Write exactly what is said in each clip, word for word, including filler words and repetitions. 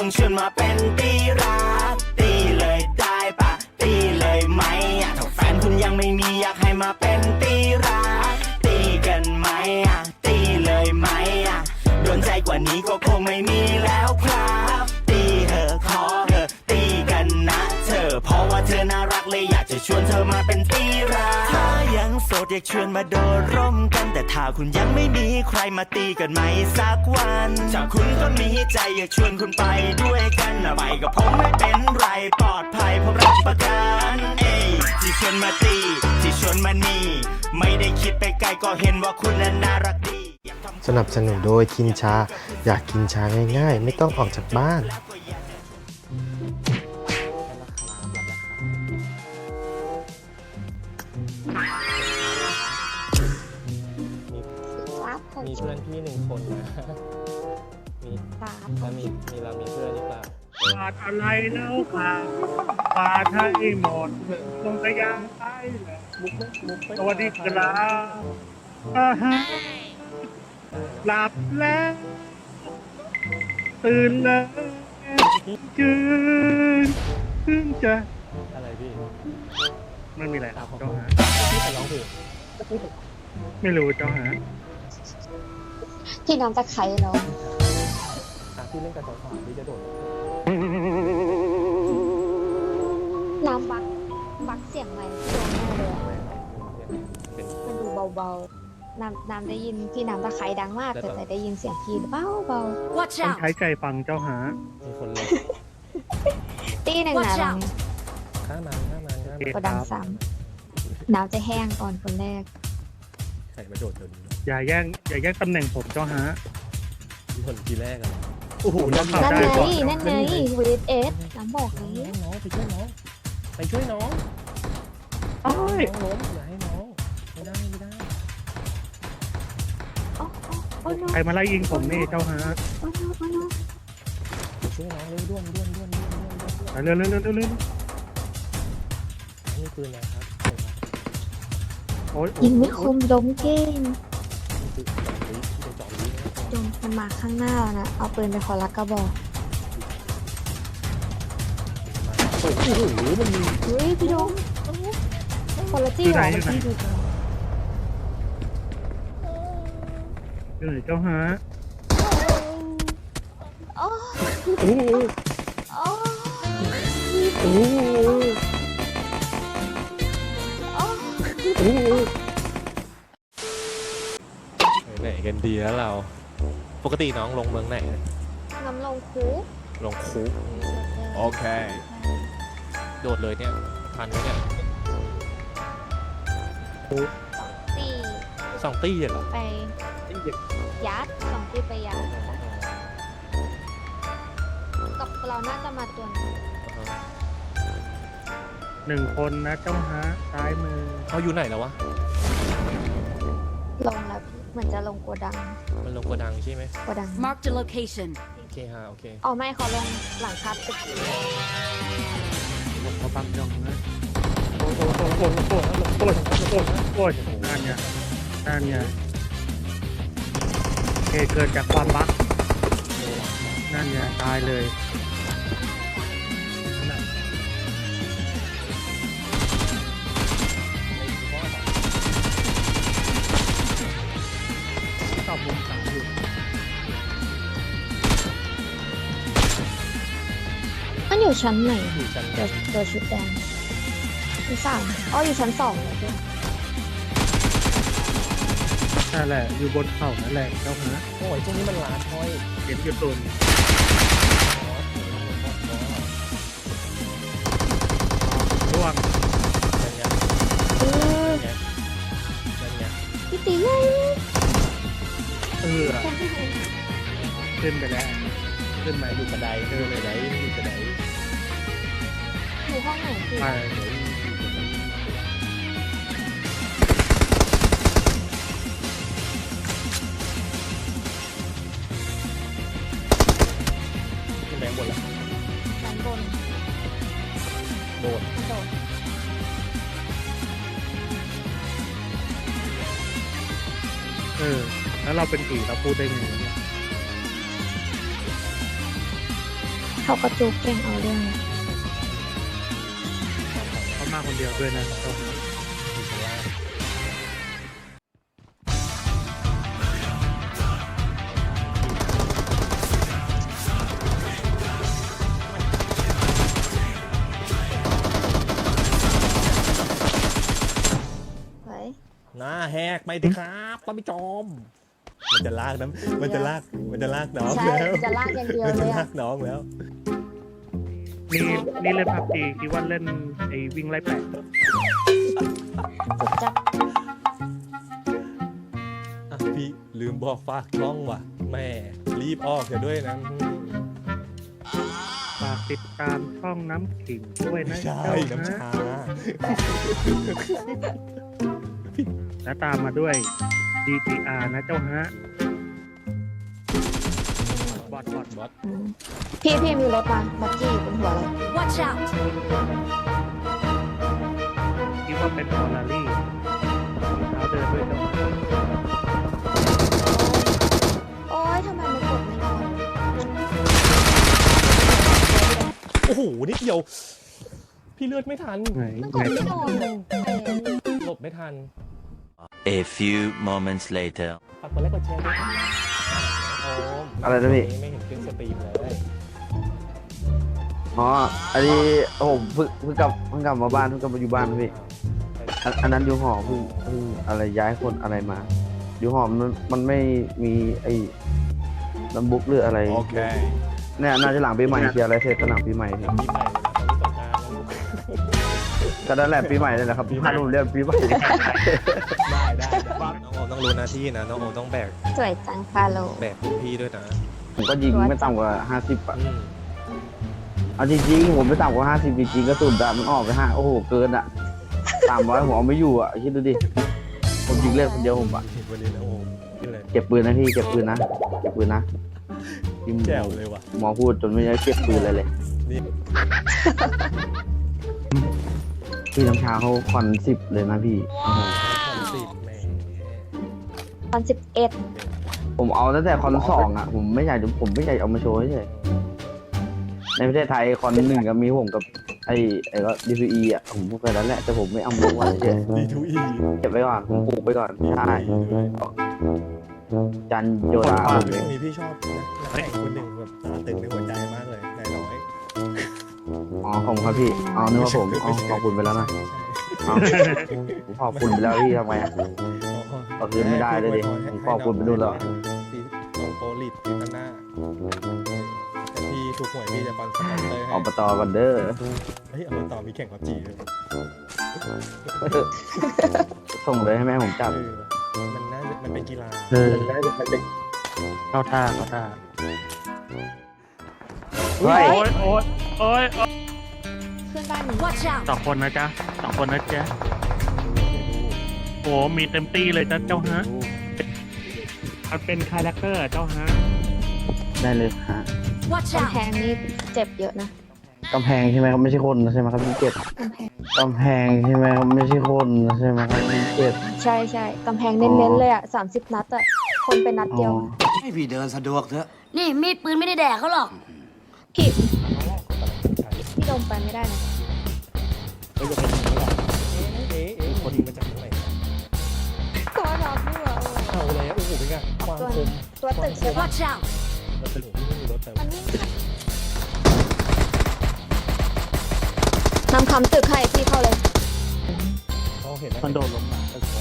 ชวนมาเป็นตีรักตีเลยได้ปะตีเลยไหมอ่ะถ้าแฟนคุณยังไม่มีอยากให้มาเป็นตีรักตีกันไหมอ่ะตีเลยไหมอ่ะโดนใจกว่านี้ก็คงไม่มีแล้วครับตีเธอขอเธอตีกันนะเธอเพราะว่าเธอน่ารักเลยอยากจะชวนเธอมาเป็นตีรักถ้ายังโสดอยากชวนมาโดดร่มกันแต่ถ้าคุณยังไม่มีใครมาตีกันไหมสักวันถ้าคุณก็มีใจอยากชวนคุณไปด้วยกันนะไปกับผมไม่เป็นไรปลอดภัยผมรับประกันเอ้ยที่ชวนมาตีที่ชวนมานี่ไม่ได้คิดไปไกลก็เห็นว่าคุณนั้นน่ารักดีสนับสนุนโดยคินชาอยากกินชาง่ายๆไม่ต้องออกจากบ้านมีเพื่อนพี่หนึ่งคนนะมีแล้วมีมีเรามีเพื่อนหรือเปล่าขาดอะไรแล้วค่ะขาดให้หมดลงกระยางไปมุกมุกสวัสดีครับอ่าฮะหลับแล้วตื่นแล้วจืนเพิ่งจะอะไรพี่ไม่มีอะไรครับเจ้าฮะพี่จะร้องเพลงไม่รู้เจ้าฮะพี่น้ำตะไคร้เนาะพี่เล่นกับสาวๆพี่จะโดดน้ำบักบักเสียงไหมพี่โดนแน่เลยมันดูเบาๆน้ำน้ำได้ยินพี่น้ำตะไคร้ดังมากแต่แต่ได้ยินเสียงพี่เบาเบาต้องใช้ใจฟังเจ้าฮะมีคนเลยตีหนึ่งนะลองข้ามันข้ามันข้ามันก็ดังซ้ำน้ำจะแห้งก่อนคนแรกใส่มาโดดตัวนี้อย่าแย่งอย่าแย่งตำแหน่งผมเจ้าฮะคนทีแรกอะโอ้โหนั่นไงนั่นไงวีดเอสน้ำบอกนี้น้องไปช่วยน้องไปช่วยน้องโอ้ยน้องล้มอย่าให้น้องไม่ได้ไม่ได้ใครมาไล่ยิงผมนี่เจ้าฮะช่วยน้องเร็วด้วนด้วนด้วนด้วนด้วนเร็วเร็วเร็วเร็วเร็วนี่ปืนนะครับยิงไม่คมล้มเก่งจงมันมาข้างหน้าแล้วนะเอาปืนไปขอรักกระบอกโอ้โหมันมีเฮ้ยพี่ดงคนละจี้หรอมันจี้ดูกันอยู่ไหนเจ้าฮะโอ้โอ้โอ้โอ้โอ้ไหนกันดีแล้วเราปกติน้องลงเมืองไหนน้ำลงคูลงคูโอเคโดดเลยเนี่ยทันไหมเนี่ยตีสองตีเหรอไปยัดสองตีไปยัดกับเราน่าจะมาตัวนี้หนึ่งคนนะเจ้าฮะซ้ายมือเขาอยู่ไหนแล้ววะลงแล้วเหมือนจะลงโกดังมันลงโกดังใช่ไหมโกดัง Mark the location โอเคฮะโอเคอ๋อไม่เขาลงหลังคาตึกเขาบังยองนะโอ้โหโอ้โหโอ้โหโอ้โหโอ้โหโอ้โหนั่นเนี่ยนั่นเนี่ยเหตุเกิดจากความบั๊กนั่นเนี่ยตายเลยตอบมุมสามอยู่มันอยู่ชั้นไหนอยู่ชั้นตัวตัวชุดแดงที่สามอ๋ออยู่ชั้นสองเลยด้วยนั่นแหละอยู่บนเขานั่นแหละเจ้าฮะโอ้ยตรงนี้มันลาดห้อยเห็นอยู่ตุนร่วงนั่นไงเออนั่นไงพี่ตีไงเออขึ้นไปแล้วขึ้นมาอยู่กระไดเออเลยไหนอยู่กระไดอยู่ห้องไหนคือไปขึ้นแบงบนละชั้นบนโดนโดนเออแล้วเราเป็นผีเราพูดได้ไงเนี่ยทเขาก็จูบเก่งเอาเรื่องนะเขามาคนเดียวด้วยนะเจ้าฮะเฮ้ยหน้าแหกไปดิครับป้าพี่จอม มันจะลากนะมันจะลาก มันจะลากน้องใช่แล้วจะลากอย่างเดียวมันเลจะยลาอะกน้องแล้วนี่นี่เล่นพับจีคิดว่าเล่นไอ้วิ่งไล่แปะสุดจับอ่ะพี่ลืมบอกฝากช่องว่ะแม่รีบออกเถอะด้วยนะฝากติดตามช่องน้ำขิงด้วยไม่นะใช่เจ้าน้ำฮะชาและตามมาด้วย ดี ที อาร์ นะเจ้าฮะบอดบอดบอดอืมพี่พี่มีรถมาบักกี้บนหัวเลย Watch out คิดว่าเป็นฟอร์รารี่มีเท้าเดินด้วยเจ้าฮะโอ๊ยทำไมมันกดไม่นอนโอ้โหนิดเดียว พี่เลือดไม่ทันไหนมันกไหนดไม่นอนเลยหลบไม่ทัน A few moments later ฝากกดไลค์กดแชร์ด้วยครับโอมอะไรนะพี่ไม่เห็นขึ้นสตรีมเลยอ๋อ อันนี้ผมเพิ่งเพิ่งกลับเพิ่งกลับมาบ้านเพิ่งกลับมาอยู่บ้านพี่อันอันนั้นอยู่หอเพิ่งเพิ่งอะไรย้ายคนอะไรมา อยู่หอมันมันไม่มีไอ้น้ำบุ๊กหรืออะไรโอเคเนี่ยน่าจะหลังปีใหม่เคลียร์อะไรเสร็จก็หลังปีใหม่พี่ปีใหม่เลยนะตอนนี้สงกรานต์แล้วลูกก็นั่นแหละปีใหม่เลยแหละครับถ้าผมเรียกปีใหม่ได้ได้ได้น้องโอมต้องรู้หน้าที่นะน้องโอมต้องแบกสวยจังฟาโลแบกรุ่นพี่ด้วยนะผมก็ยิงไม่ต่ำกว่าห้าสิบอ่ะอืมเอาจริงๆผมไม่ต่ำกว่าห้าสิบจริงๆก็สุดอะมันออกไปห้าโอ้โหเกินอ่ะสามร้อยผมเอาไม่อยู่อ่ะคิดดูดิผมยิงเล่นคนเดียวผมอ่ะวันนี้นะโอมนี่เลยเก็บปืนนะพี่เก็บปืนนะเก็บปืนนะที่แจ๋วเลยว่ะหมอพูดจนไม่ได้เก็บปืนอะไรเลยนี่พี่น้ำชาเขาควันสิบเลยนะพี่โอ้โหสิบแหมตอนสิบเอ็ดผมเอาตั้งแต่คอนสองอ่ะผมไม่อยากจะผมไม่อยากเอามาโชว์เฉยในประเทศไทยคอนหนึ่งก็มีผมกับไอ้ไอ้ก็ดีพีอีอ่ะผมพูดไปแล้วแหละแต่ผมไม่เอามาลงวันเฉยดีทูอีเก็บไว้ก่อนผมปลูกไปก่อนใช่จันโยดาเรื่องนี้พี่ชอบนะนักแข่งคนหนึ่งแบบตาตึงในหัวใจมากเลยนายน้อยอ๋อขอบคุณครับพี่อ๋อนึกว่าผมอ๋อขอบคุณไปแล้วนะอ๋อผมขอบคุณไปแล้วพี่ทำไมอ่ะ ก็คือไม่ได้เลยดิผมขอบคุณไปดูแล้วปีน้องโปรลิดปีข้างหน้าแต่พี่ถูกหวยพี่จะฟังสปอนเซอร์ให้อบตกันเด้อเฮ้ยเอาต่อมีแข่งพับจีด้วยส่งเลยให้แม่ผมจับเออมันน่าจะมันเป็นกีฬาเออเข้าท่าเข้าท่าเฮ้ยโอ๊ยโอ๊ยโอ๊ยโอ๊ยขึ้นบ้านนี้ Watch out! สองคนนะจ๊ะสองคนนะจ๊ะโอ้มีเต็มที่เลยจ้ะเจ้าฮะมันเป็นคาแรคเตอร์เจ้าฮะได้เลยฮะ Watch กำแพ out! งนี่เจ็บเยอะนะกำแพงใช่ไหมครับไม่ใช่คนใช่ไหมครับพี่เจ็ดกำแพงกำแพงใช่ไหมครับไม่ใช่คนใช่ไหมครับพี่เจ็ดใช่ใช่กำแพงเน้นๆเลยอ่ะสามสิบนัดอ่ะ คนเป็นนัดอ๋เดียวอให้พี่เดินสะดวกเถอะนี่มีดปืนไม่ได้แดกเขาหรอกพี่พี่ลงไปไม่ได้นะเฮ้ยจะไปยิงหรอเอ๊ะเอ๊ะคนยิงมาจากตรงไหนตัวรับด้วยอ่ะเอาเลยโอ้โหเป็นไงความตัวคมตัวตึกใช่ปะ Watch out! เราตึกที่ไม่มีรถแต่มันวิ่งนำคำตึกให้พี่เข้าเลยเขาเห็นมันโดนลงมา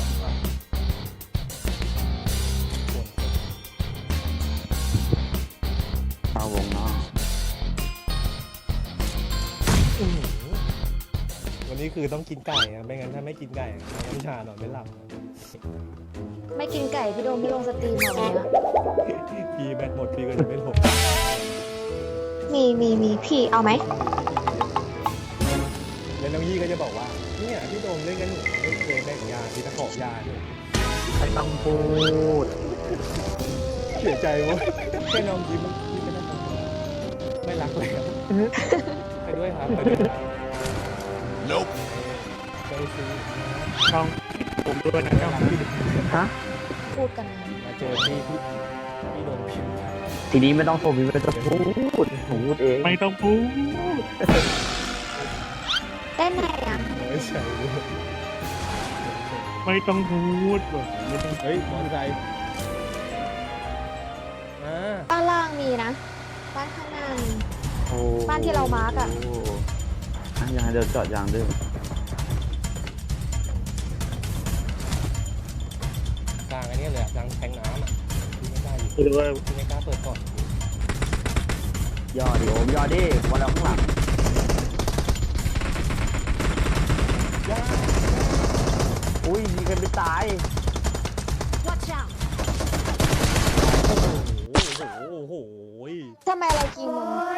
เอาวงเนาะวันนี้คือต้องกินไก่อะไม่งั้นถ้าไม่กินไก่น้ำชานอนไม่หลับไม่กินไก่พี่โดมพี่ลงสตรีมมาวันเนี้ยพี่แบตหมดพี่ก็จะไม่หลบมีมีมีพี่เอาไหมแล้วน้องยี่ก็จะบอกว่าเนี่ยพี่โดมเล่นกันหนูไม่เคยแบ่งยาที่ตะขอบยาด้วยใครต้องพูดเสียใจวะแค่น้องยิ้มพี่ก็ได้ทำไม่รักแล้วไปด้วยครับไปด้วย Nope ไปซื้อช่องผมด้วยนะเจ้าฮะฮะพูดกันนะมาเจอพี่พี่พี่โดนพิมพ์ทีนี้ไม่ต้องโทรพี่ไม่ต้องพูดผมพูดเองไม่ต้องพูดเต้นไหนอ่ะไม่ใช่ด้วยไม่ต้องพูดหรอกไม่ต้องเฮ้ยมอเตอร์ไซค์อ่าบ้านล่างมีนะ บ้านข้างหน้ามีโอ้บ้านที่เรามาร์กอะโอ่ะยังไงเดี๋ยวจอดยางด้วยกลางอันนี้เลยอะกลางแทงน้ำอ่ะพี่ไม่กล้าอยู่ไม่รู้ว่าพี่ไม่กล้าเปิดก่อนย่อดิโอมย่อดิวันเราข้างหลังอุ้ยมีใครไปตาย Watch out โอ้โหโอ้โหโอ้โหทำไมเรายิงมึง